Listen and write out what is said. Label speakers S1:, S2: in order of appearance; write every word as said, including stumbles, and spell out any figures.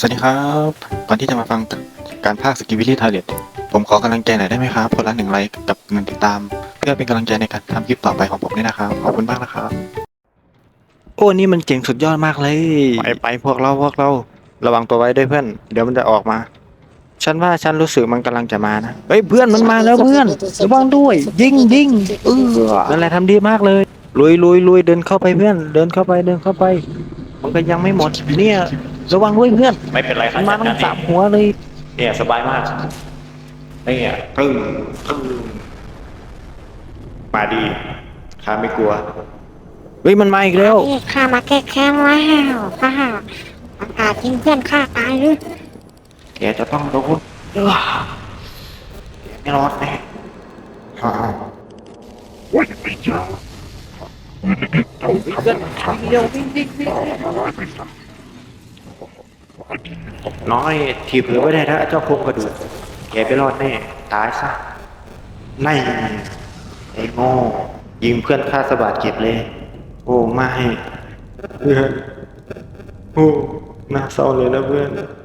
S1: สวัสดีครับก่อนที่จะมาฟังการพากย์สกิวิลี่ทาเลตผมขอกำลังใจหน่อยได้ไหมครับคนละหนึ่งไลค์กับหนึ่งติดตามเพื่อเป็นกำลังใจในการทำคลิปต่อไปของผมด้วยนะครับขอบคุณมากนะครับโอ้นี่มันเจ๋งสุดยอดมากเลยไปไปพวกเราพวกเราระวังตัวไว้ด้วยเพื่อนเดี๋ยวมันจะออกมาฉันว่าฉันรู้สึกมันกำลังจะมานะเฮ้ยเพื่อนมันมาแล้วเพื่อนระวังด้วยยิงยิงเออนั่นแหละทำดีมากเลยลุยลุยลุยเดินเข้าไปเพื่อนเดินเข้าไปเดินเข้าไปมันก็ยังไม่หมดเนี่ยระวังด้วยเพื่อน
S2: ไม่เป็นไรค
S1: มั
S2: รับ
S1: นมา
S2: จัด
S1: ทั้
S2: กาง รเอ
S1: สาง มหัวเลย
S2: เนี่ยสบายมากเนี่ยตึ้งตึ้งมาดีข้าไม่กลัว
S1: เฮ้ยมันมาอีกแล้ว
S3: นี่ข้ามาแก้แค้นแล้วข้าอากาศยิงเพื่อนข้าตายหรือ
S1: แกจะต้องโดนเอ้อแกไม่รอดแน่ฮ่าน้อยทีเผือไว้ได้ถ้าเจ้าโครงกระดูกแกไปรอดแน่ตายซะไม่ไอ้โง่ยิงเพื่อนข้าสะบาดเจ็บเลยโอ้ไม่เพื่อนโอ้น่าเศร้าเลยนะเพื่อน